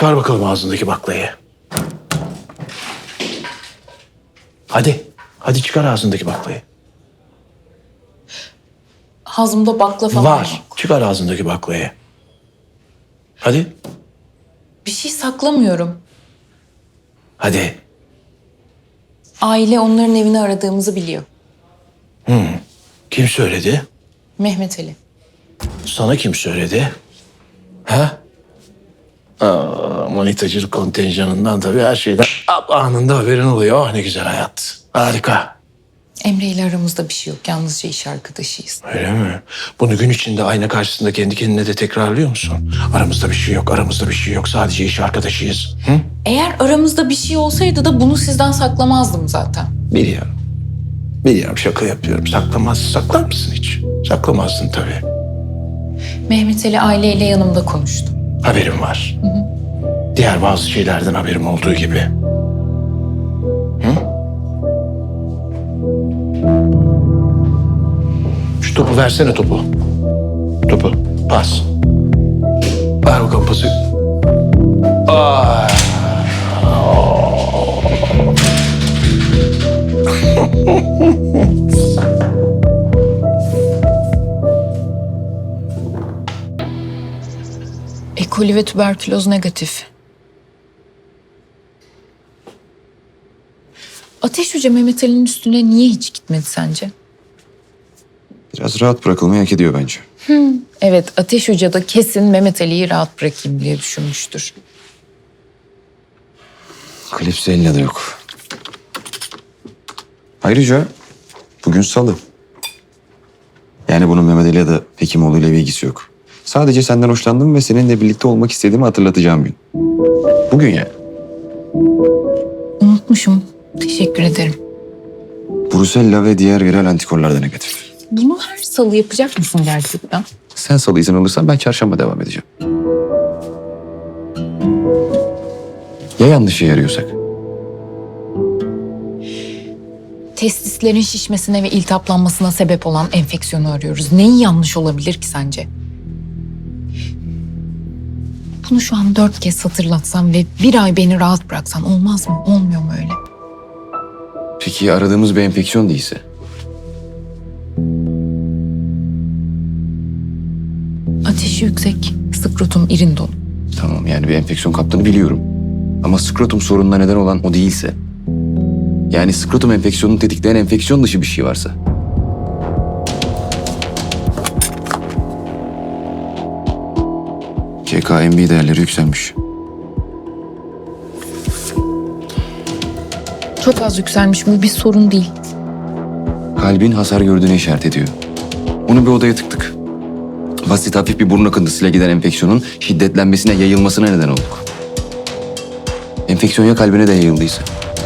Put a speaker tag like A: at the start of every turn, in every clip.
A: Çıkar bakalım ağzındaki baklayı. Hadi. Hadi çıkar ağzındaki baklayı.
B: Ağzımda bakla falan
A: Var. Çıkar ağzındaki baklayı. Hadi.
B: Bir şey saklamıyorum.
A: Hadi.
B: Aile onların evini aradığımızı biliyor.
A: Kim söyledi?
B: Mehmet Ali.
A: Sana kim söyledi? Ha? Manitacılık kontenjanından tabii her şeyden anında haberin oluyor. Oh, ne güzel hayat. Harika.
B: Emre ile aramızda bir şey yok. Yalnızca iş arkadaşıyız.
A: Öyle mi? Bunu gün içinde ayna karşısında kendi kendine de tekrarlıyor musun? Aramızda bir şey yok, aramızda bir şey yok. Sadece iş arkadaşıyız. Hı?
B: Eğer aramızda bir şey olsaydı da bunu sizden saklamazdım zaten.
A: Biliyorum. Biliyorum, şaka yapıyorum. Saklar mısın hiç? Saklamazdın tabii.
B: Mehmet Ali aileyle yanımda konuştu.
A: Haberim var. Diğer bazı şeylerden haberim olduğu gibi. Hı? Şu topu versene topu. Topu. Pas. Ver bakalım pası. Aa.
B: E. coli ve tüberküloz negatif. Ateş Hoca Mehmet Ali'nin üstüne niye hiç gitmedi sence?
C: Biraz rahat bırakılmayı hak ediyor bence.
B: Evet, Ateş Hoca da kesin Mehmet Ali'yi rahat bırakayım diye düşünmüştür.
C: Klipsi elle de yok. Ayrıca bugün salı. Yani bunun Mehmet Ali ya da Hekimoğlu ile bir ilgisi yok. Sadece senden hoşlandım ve seninle birlikte olmak istediğimi hatırlatacağım gün. Bugün yani.
B: Unutmuşum. Teşekkür ederim.
C: Brusella ve diğer viral antikorlar da negatif.
B: Bunu her salı yapacak mısın gerçekten?
C: Sen salı izin alırsan ben çarşamba devam edeceğim. Ya yanlış işe yarıyorsak?
B: Testislerin şişmesine ve iltihaplanmasına sebep olan enfeksiyonu arıyoruz. Neyi yanlış olabilir ki sence? Bunu şu an 4 kez hatırlatsam ve bir ay beni rahat bıraksan olmaz mı? Olmuyor mu öyle?
C: Peki aradığımız bir enfeksiyon değilse?
B: Ateşi yüksek, skrotum irin dolu.
C: Tamam, yani bir enfeksiyon kaptığını biliyorum. Ama skrotum sorununa neden olan o değilse... Yani skrotum enfeksiyonunu tetikleyen enfeksiyon dışı bir şey varsa... KKMB değerleri yükselmiş.
B: Çok az yükselmiş, bu bir sorun değil.
C: Kalbin hasar gördüğüne işaret ediyor. Onu bir odaya tıktık. Basit hafif bir burun akıntısıyla giden enfeksiyonun şiddetlenmesine, yayılmasına neden olduk. Enfeksiyon ya kalbine de yayıldıysa?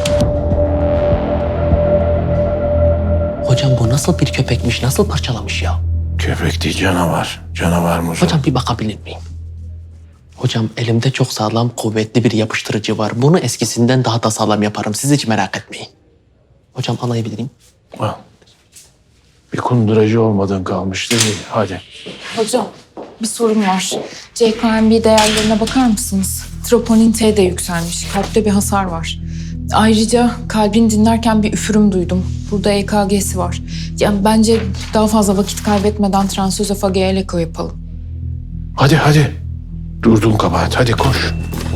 D: Hocam bu nasıl bir köpekmiş, nasıl parçalamış ya?
A: Köpek değil, canavar. Canavar mı?
D: Hocam bir bakabilir miyim? Hocam elimde çok sağlam, kuvvetli bir yapıştırıcı var. Bunu eskisinden daha da sağlam yaparım. Siz hiç merak etmeyin. Hocam alayabilir miyim?
A: Al. Bir kunduracı olmadan kalmış değil mi? Hadi.
B: Hocam, bir sorun var. CKMB değerlerine bakar mısınız? Troponin T de yükselmiş. Kalpte bir hasar var. Ayrıca kalbini dinlerken bir üfürüm duydum. Burada EKG'si var. Yani bence daha fazla vakit kaybetmeden transözofageal eko yapalım.
A: Hadi. Durdun kabahat. Hadi koş.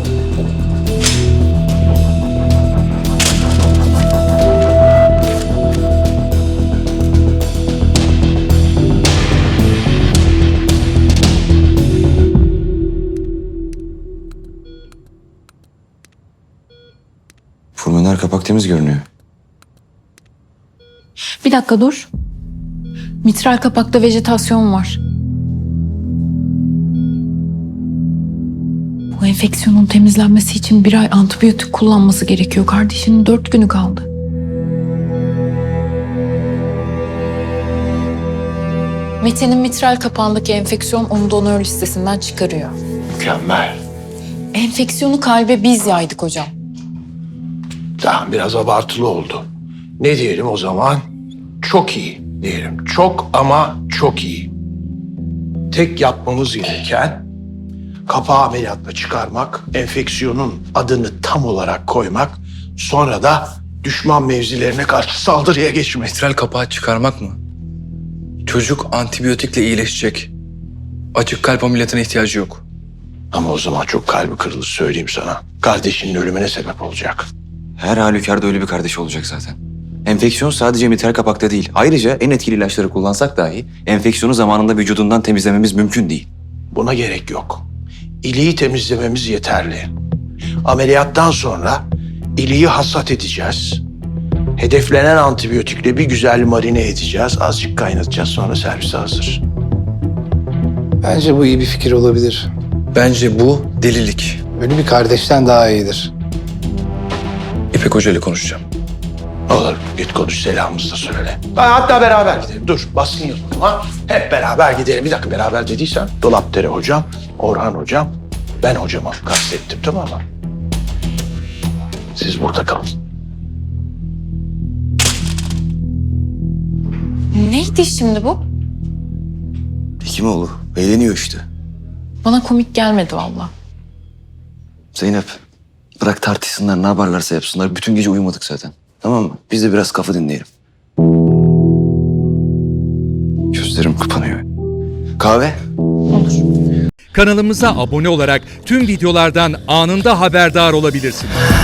C: Pulmoner kapak temiz görünüyor.
B: Bir dakika dur. Mitral kapakta vejetasyon var. Bu enfeksiyonun temizlenmesi için 1 ay antibiyotik kullanması gerekiyor. Kardeşinin 4 günü kaldı. Mete'nin mitral kapağındaki enfeksiyon onu donör listesinden çıkarıyor.
A: Mükemmel.
B: Enfeksiyonu kalbe biz yaydık hocam.
A: Tamam, biraz abartılı oldu. Ne diyelim o zaman? Çok iyi diyelim. Çok ama çok iyi. Tek yapmamız gereken Kapağı ameliyatla çıkarmak, enfeksiyonun adını tam olarak koymak, sonra da düşman mevzilerine karşı saldırıya geçmek.
E: Mitral kapağı çıkarmak mı? Çocuk antibiyotikle iyileşecek. Açık kalp ameliyatına ihtiyacı yok.
A: Ama o zaman çok kalbi kırılır söyleyeyim sana. Kardeşinin ölümüne sebep olacak.
C: Her halükarda öyle bir kardeşi olacak zaten. Enfeksiyon sadece mitral kapakta değil. Ayrıca en etkili ilaçları kullansak dahi enfeksiyonu zamanında vücudundan temizlememiz mümkün değil.
A: Buna gerek yok. İliği temizlememiz yeterli. Ameliyattan sonra iliği hasat edeceğiz. Hedeflenen antibiyotikle bir güzel marine edeceğiz. Azıcık kaynatacağız, sonra servise hazır.
F: Bence bu iyi bir fikir olabilir.
E: Bence bu delilik.
F: Ölü bir kardeşten daha iyidir.
E: İpek Hoca ile konuşacağım.
A: Olur, git konuş, selamımızı da söyle. Hatta beraber gidelim. Dur, baskın yapalım ha. Hep beraber gidelim. Bir dakika, beraber dediysen Dolapdere hocam, Orhan hocam, ben hocama kastettim, tamam mı? Siz burada kalın.
B: Neydi şimdi bu?
C: Hekimoğlu eğleniyor işte.
B: Bana komik gelmedi valla.
C: Zeynep, bırak tartışsınlar, ne yaparlarsa yapsınlar. Bütün gece uyumadık zaten. Tamam mı? Biz de biraz kafa dinleyelim. Gözlerim kapanıyor. Kahve?
G: Kanalımıza abone olarak tüm videolardan anında haberdar olabilirsiniz.